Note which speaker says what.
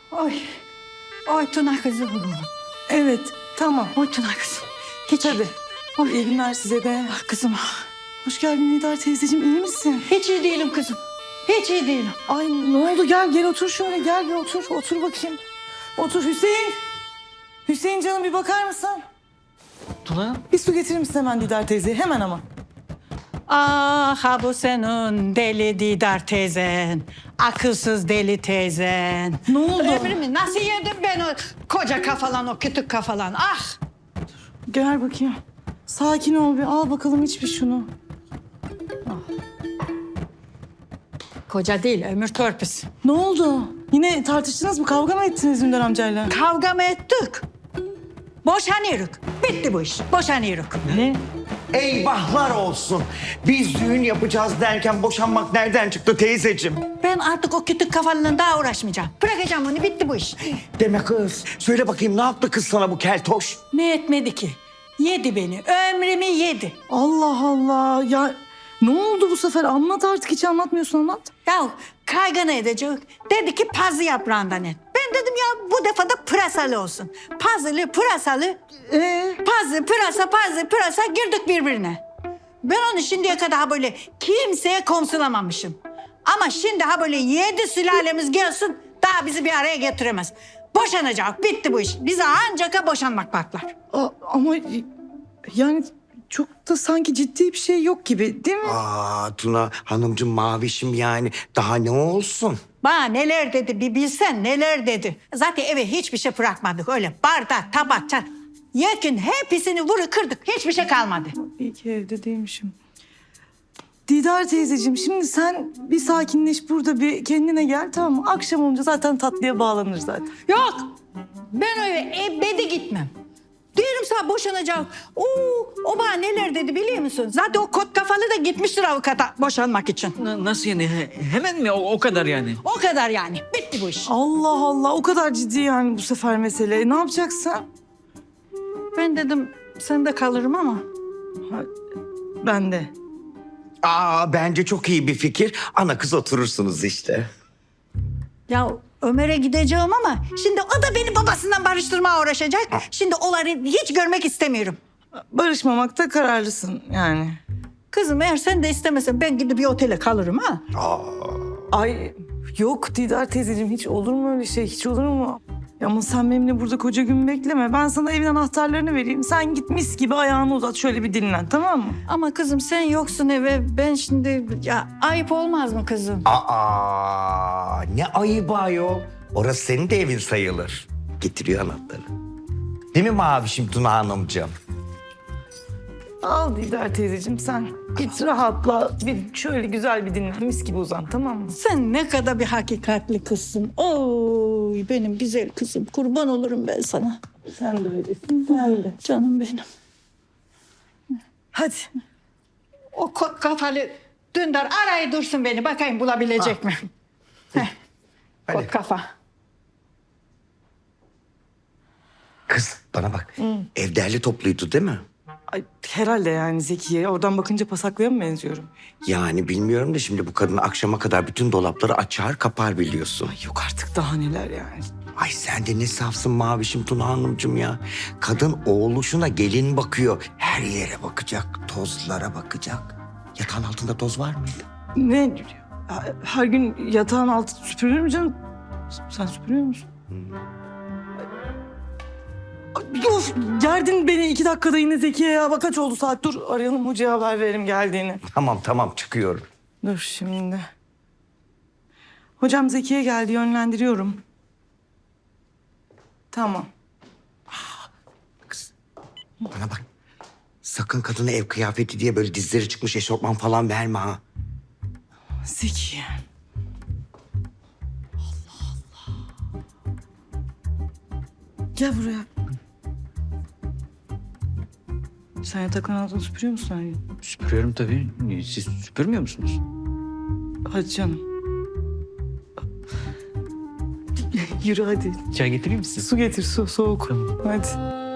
Speaker 1: Ay. Ay Tuna kızım.
Speaker 2: Evet, tamam.
Speaker 1: Oy Tuna kızım. Hiç
Speaker 2: Tabii.
Speaker 1: Ay.
Speaker 2: İyi günler size de.
Speaker 1: Ah kızım.
Speaker 2: Hoş geldin Nidar teyzeciğim, iyi misin?
Speaker 1: Hiç iyi değilim kızım. Hiç iyi değilim.
Speaker 2: Ay ne oldu? Gel otur şöyle, gel bir otur. Otur bakayım. Otur Hüseyin. Hüseyin canım bir bakar mısın?
Speaker 3: Tuna?
Speaker 2: Bir su getirir misin hemen Nidar teyzeye? Hemen ama.
Speaker 1: Ah ha bu senin deli Didar teyzen. Akılsız deli teyzen.
Speaker 2: Ne oldu?
Speaker 1: Ömrümü nasıl yedim ben o koca kafalan, o kütük kafalan. Ah!
Speaker 2: Gel bakayım. Sakin ol bir, al bakalım iç bir şunu.
Speaker 1: Koca değil, ömür törpüsü.
Speaker 2: Ne oldu? Yine tartıştınız mı? Kavga mı ettiniz Ünder amcayla?
Speaker 1: Kavga mı ettik? Boşanıyoruz. Bitti bu iş. Boşanıyoruz.
Speaker 2: Ne?
Speaker 4: Eyvahlar olsun. Biz düğün yapacağız derken boşanmak nereden çıktı teyzeciğim?
Speaker 1: Ben artık o kütük kafalığına daha uğraşmayacağım. Bırakacağım onu, bitti bu iş.
Speaker 4: Deme kız. Söyle bakayım ne yaptı kız sana bu keltoş?
Speaker 1: Ne etmedi ki? Yedi beni, ömrümü yedi.
Speaker 2: Allah Allah. Ya ne oldu bu sefer? Anlat artık. Hiç anlatmıyorsun, anlat.
Speaker 1: Ya kaygana edecek. Dedi ki pazı yaprağından et. Ben dedim ya bu defa da pırasalı olsun. Pazılı, pırasalı. Pazı, pırasa girdik birbirine. Ben onu şimdiye kadar ha böyle kimseye komsulamamışım. Ama şimdi ha böyle 7 sülalemiz gelsin daha bizi bir araya getiremez. Boşanacak, bitti bu iş. Bize ancak boşanmak baklar.
Speaker 2: Ama yani çok da sanki ciddi bir şey yok gibi değil mi?
Speaker 4: Aa Tuna hanımcığım mavişim yani daha ne olsun?
Speaker 1: Bana neler dedi bir bilsen neler dedi. Zaten eve hiçbir şey bırakmadık öyle bardak, tabak, çat. Yakın hepsini vuru kırdık, hiçbir şey kalmadı.
Speaker 2: İyi ki evde değilmişim. Didar teyzeciğim şimdi sen bir sakinleş burada bir kendine gel tamam mı? Akşam olunca zaten tatlıya bağlanır zaten.
Speaker 1: Yok, ben öyle ebedi gitmem. Diyorum sana boşanacak. O bana neler dedi biliyor musun? Zaten o kot kafalı da gitmiştir avukata boşanmak için.
Speaker 3: Nasıl yani? Hemen mi? O kadar yani.
Speaker 1: O kadar yani, bitti bu iş.
Speaker 2: Allah Allah o kadar ciddi yani bu sefer mesele. Ne yapacaksın?
Speaker 1: Ben dedim sen de kalırım ama.
Speaker 2: Ben de.
Speaker 4: Aa bence çok iyi bir fikir. Ana kız oturursunuz işte.
Speaker 1: Ya Ömer'e gideceğim ama şimdi o da beni babasından barıştırmaya uğraşacak. Şimdi onları hiç görmek istemiyorum.
Speaker 2: Barışmamakta kararlısın yani.
Speaker 1: Kızım eğer sen de istemesen ben gidip bir otele kalırım ha.
Speaker 2: Ay yok Didar teyzeciğim hiç olur mu öyle şey? Hiç olur mu? Ya ama sen benimle burada koca gün bekleme. Ben sana evin anahtarlarını vereyim. Sen git mis gibi ayağını uzat şöyle bir dinlen tamam mı?
Speaker 1: Ama kızım sen yoksun eve ben şimdi ya ayıp olmaz mı kızım?
Speaker 4: Aa ne ayıbı ayol. Orası senin de evin sayılır. Getiriyor anahtarı. Değil mi mavişim Tuna hanımcığım?
Speaker 2: Al Didar teyzeciğim sen. Git rahatla. Bir şöyle güzel bir dinlen. Mis gibi uzan tamam mı?
Speaker 1: Sen ne kadar bir hakikatli kızsın. Oy benim güzel kızım. Kurban olurum ben sana.
Speaker 2: Sen de öylesin. Sen de.
Speaker 1: Canım benim.
Speaker 2: Hadi.
Speaker 1: O kafalı Dündar arayı dursun beni. Bakayım bulabilecek mi? Heh. Kot kafa.
Speaker 4: Kız bana bak. Ev derli topluydu değil mi?
Speaker 2: Ay, herhalde yani Zekiye. Oradan bakınca pasaklaya mı benziyorum?
Speaker 4: Yani bilmiyorum da şimdi bu kadın akşama kadar bütün dolapları açar kapar biliyorsun.
Speaker 2: Ay yok artık daha neler yani.
Speaker 4: Ay sen de ne safsın mavişim Tuna hanımcığım ya. Kadın oğluşuna gelin bakıyor. Her yere bakacak, tozlara bakacak. Yatağın altında toz var mıydı?
Speaker 2: Ne? Her gün yatağın altı süpürülür mü canım? Sen süpürüyor musun? Ay, of gerdin beni 2 dakikada yine Zekiye ya. Bak kaç oldu saat dur arayalım hocaya haber verelim geldiğini.
Speaker 4: Tamam çıkıyorum.
Speaker 2: Dur şimdi. Hocam Zekiye geldi yönlendiriyorum. Tamam.
Speaker 4: Kız bana bak. Sakın kadına ev kıyafeti diye böyle dizleri çıkmış eşofman falan verme ha.
Speaker 2: Zekiye. Allah Allah. Gel buraya. Sen yatakların altını süpürüyor musun her gün?
Speaker 3: Süpürüyorum tabii. Siz süpürmüyor musunuz?
Speaker 2: Hadi canım. Yürü hadi.
Speaker 3: Çay getireyim mi size?
Speaker 2: Su getir su soğuk. Hadi.